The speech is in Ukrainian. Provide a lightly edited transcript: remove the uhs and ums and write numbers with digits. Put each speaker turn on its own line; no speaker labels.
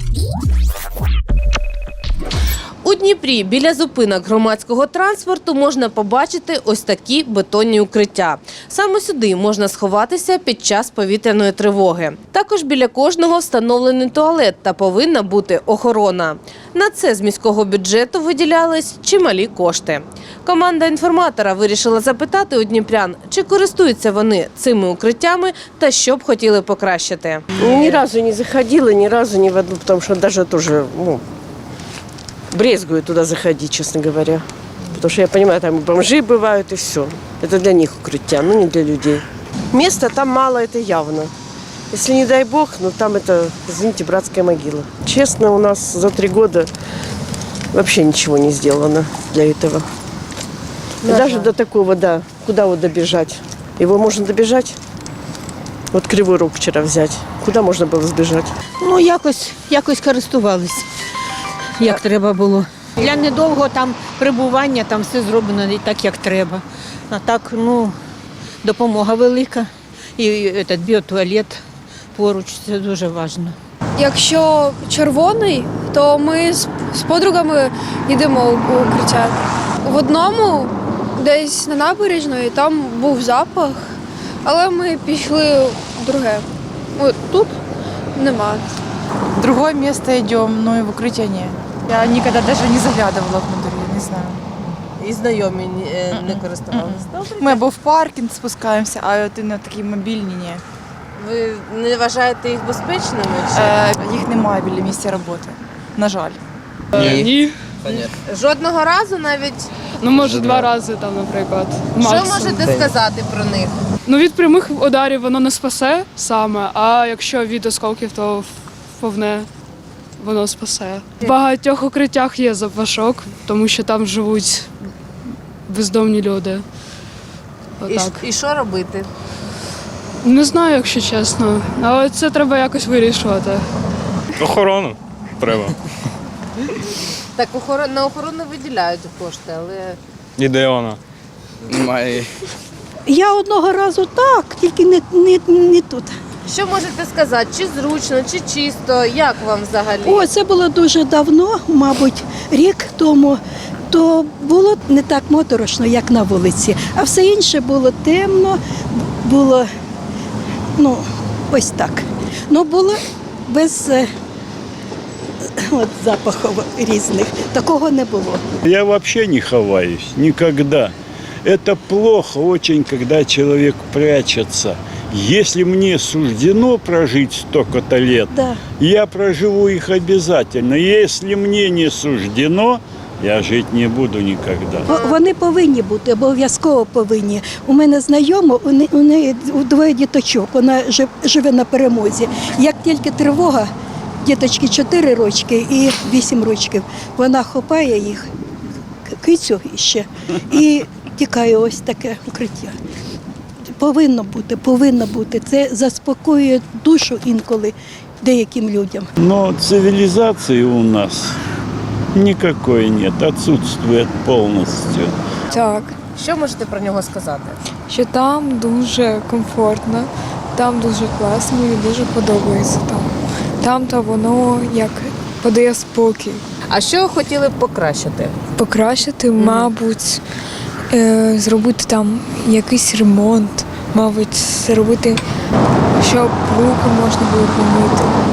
У Дніпрі біля зупинок громадського транспорту можна побачити ось такі бетонні укриття. Саме сюди можна сховатися під час повітряної тривоги. Також біля кожного встановлений туалет та повинна бути охорона. На це з міського бюджету виділялись чималі кошти. Команда інформатора вирішила запитати у дніпрян, чи користуються вони цими укриттями та що б хотіли покращити.
Ні разу не заходила, ні разу не в одну, тому що навіть теж, брезгую туда заходить, честно говоря. Потому что я понимаю, там и бомжи бывают, и все. Это для них укрытия, но не для людей. Места там мало, это явно. Если не дай бог, там это, извините, братская могила. Честно, у нас за 3 года вообще ничего не сделано для этого. И даже до такого, куда вот добежать? Его можно добежать? Вот Кривой Рог вчера взять. Куда можно было сбежать?
Якось користувались, як треба було. Для недовгого там перебування, там все зроблено так, як треба. А так, допомога велика. І біотуалет поруч, це дуже важливо.
Якщо червоний, то ми з подругами йдемо у укриття. В одному, десь на набережної, там був запах, але ми пішли в друге. Тут нема.
В другое место идем, но и в укрытие нет. Я никогда даже не заглядывала внутрь, я не знаю.
І знайомі не користувалися?
Мы або в паркинг спускаемся, а от на такі мобільні ні.
Ви не вважаєте їх безпечними?
Їх немає біля місця роботи, на жаль.
Ні.
Жодного разу навіть?
Може 2 рази там, наприклад.
Що
Максимум.
можете сказати про них?
Від прямих ударів воно не спасе саме, а якщо від осколків, то вповне воно спасе. В багатьох укриттях є запашок, тому що там живуть бездомні люди. Отак.
І що робити?
Не знаю, якщо чесно, але це треба якось вирішувати.
Охорону треба.
Так на охорону виділяють кошти, але...
І де вона?
Немає.
Я одного разу так, тільки не тут.
Що можете сказати? Чи зручно, чи чисто? Як вам взагалі?
Це було дуже давно, мабуть, рік тому. То було не так моторошно, як на вулиці. А все інше було темно, було, ось так. Було без запахів різних. Такого не було.
Я вообще не ховаюсь, никогда. Это плохо очень, когда человек прячется. Если мне суждено прожить столько-то лет, я проживу их обязательно. Если мне не суждено, я жити не буду ніколи.
Вони повинні бути, обов'язково повинні. У мене знайома, у неї 2 діточок, вона живе на Перемозі. Як тільки тривога, діточки 4 рочки і 8 рочків, вона хапає їх, кицю ще, і тікає ось таке укриття. Повинно бути. Це заспокоює душу інколи деяким людям.
Но цивилизации у нас никакой нет, отсутствует полностью.
Так,
Що можете про нього сказати?
що там дуже комфортно, там дуже класно, мені дуже подобається там. Там-то воно як подає спокій.
А що хотіли б покращити?
Покращити, мабуть, зробити там якийсь ремонт, мабуть, зробити, щоб руки можна було помити.